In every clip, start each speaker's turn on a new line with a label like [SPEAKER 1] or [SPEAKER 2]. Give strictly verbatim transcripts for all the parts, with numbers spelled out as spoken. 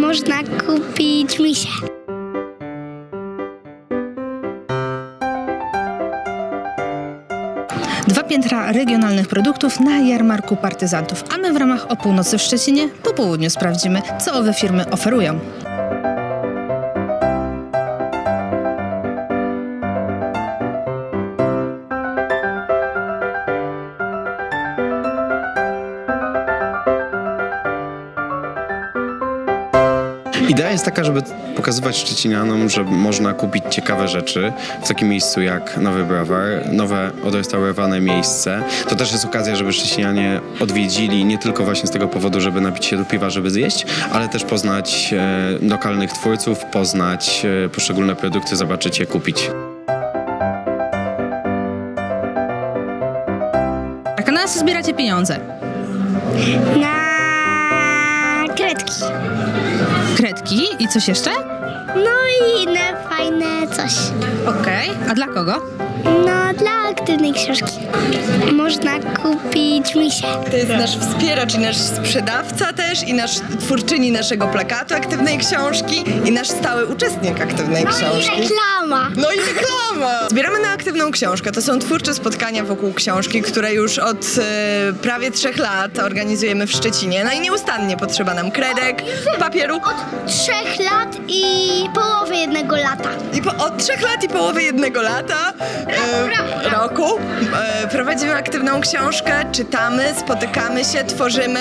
[SPEAKER 1] można kupić misie.
[SPEAKER 2] Dwa piętra regionalnych produktów na jarmarku partyzantów, a my w ramach O Północy w Szczecinie po południu sprawdzimy, co owe firmy oferują.
[SPEAKER 3] Idea jest taka, żeby pokazywać szczecinianom, że można kupić ciekawe rzeczy w takim miejscu jak Nowy Browar, nowe odrestaurowane miejsce. To też jest okazja, żeby szczecinianie odwiedzili nie tylko właśnie z tego powodu, żeby napić się do piwa, żeby zjeść, ale też poznać e, lokalnych twórców, poznać e, poszczególne produkty, zobaczyć je, kupić.
[SPEAKER 2] A na co zbieracie pieniądze?
[SPEAKER 1] Na kredki.
[SPEAKER 2] Kredki i coś jeszcze?
[SPEAKER 1] No i inne fajne coś.
[SPEAKER 2] Okej. A dla kogo?
[SPEAKER 1] No, dla aktywnej książki. Można kupić misie.
[SPEAKER 4] To jest nasz wspieracz i nasz sprzedawca też i nasz twórczyni naszego plakatu Aktywnej Książki i nasz stały uczestnik Aktywnej
[SPEAKER 1] I
[SPEAKER 4] Książki.
[SPEAKER 1] reklama.
[SPEAKER 4] No i reklama! Zbieramy na Aktywną Książkę. To są twórcze spotkania wokół książki, które już od e, prawie trzech lat organizujemy w Szczecinie. No i nieustannie potrzeba nam kredek, papieru.
[SPEAKER 1] Trzech lat i połowy jednego lata.
[SPEAKER 4] I po, od trzech lat i połowy jednego lata, e, roku, e, prowadzimy Aktywną Książkę, czytamy, spotykamy się, tworzymy.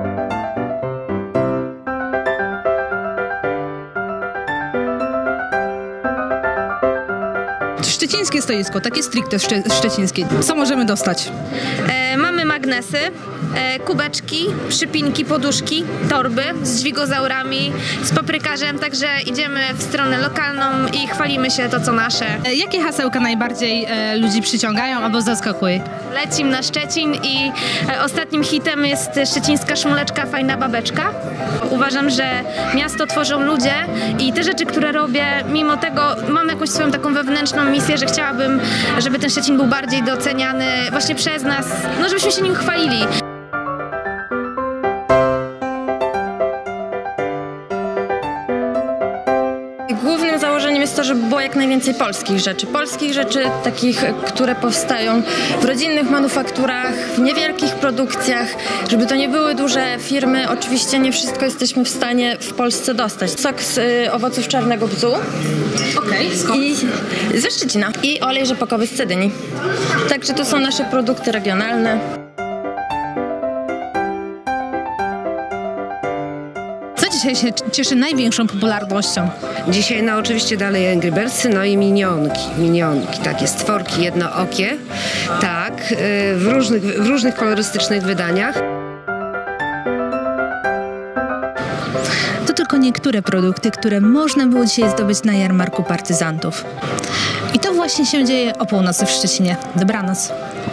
[SPEAKER 2] Szczecińskie stoisko, takie stricte szcze szczecińskie. Co możemy dostać?
[SPEAKER 5] E, mamy magnesy, e, kubeczki, przypinki, poduszki, torby z dźwigozaurami, z paprykarzem, także idziemy w stronę lokalną i chwalimy się to, co nasze.
[SPEAKER 2] E, jakie hasełka najbardziej e, ludzi przyciągają albo zaskakuje?
[SPEAKER 5] Lecim na Szczecin i e, ostatnim hitem jest szczecińska szmuleczka, fajna babeczka. Uważam, że miasto tworzą ludzie i te rzeczy, które robię, mimo tego mam jakąś swoją taką wewnętrzną misję, że chciałabym, żeby ten Szczecin był bardziej doceniany właśnie przez nas, no żebyśmy się nim chwalili.
[SPEAKER 6] Głównym założeniem jest to, żeby było jak najwięcej polskich rzeczy. Polskich rzeczy takich, które powstają w rodzinnych manufakturach, w niewielkich produkcjach, żeby to nie były duże firmy. Oczywiście nie wszystko jesteśmy w stanie w Polsce dostać. Sok z y, owoców czarnego bzu.
[SPEAKER 2] Okej, skąd?
[SPEAKER 6] I ze Szczecina. I olej rzepakowy z Cedyni. Także to są nasze produkty regionalne.
[SPEAKER 2] Co dzisiaj się cieszy największą popularnością?
[SPEAKER 7] Dzisiaj no oczywiście dalej Angry Birdsy, no i minionki, minionki, takie stworki jednookie, tak, y, w różnych, w różnych kolorystycznych wydaniach.
[SPEAKER 2] To tylko niektóre produkty, które można było dzisiaj zdobyć na jarmarku partyzantów. I to właśnie się dzieje o północy w Szczecinie. Dobranoc.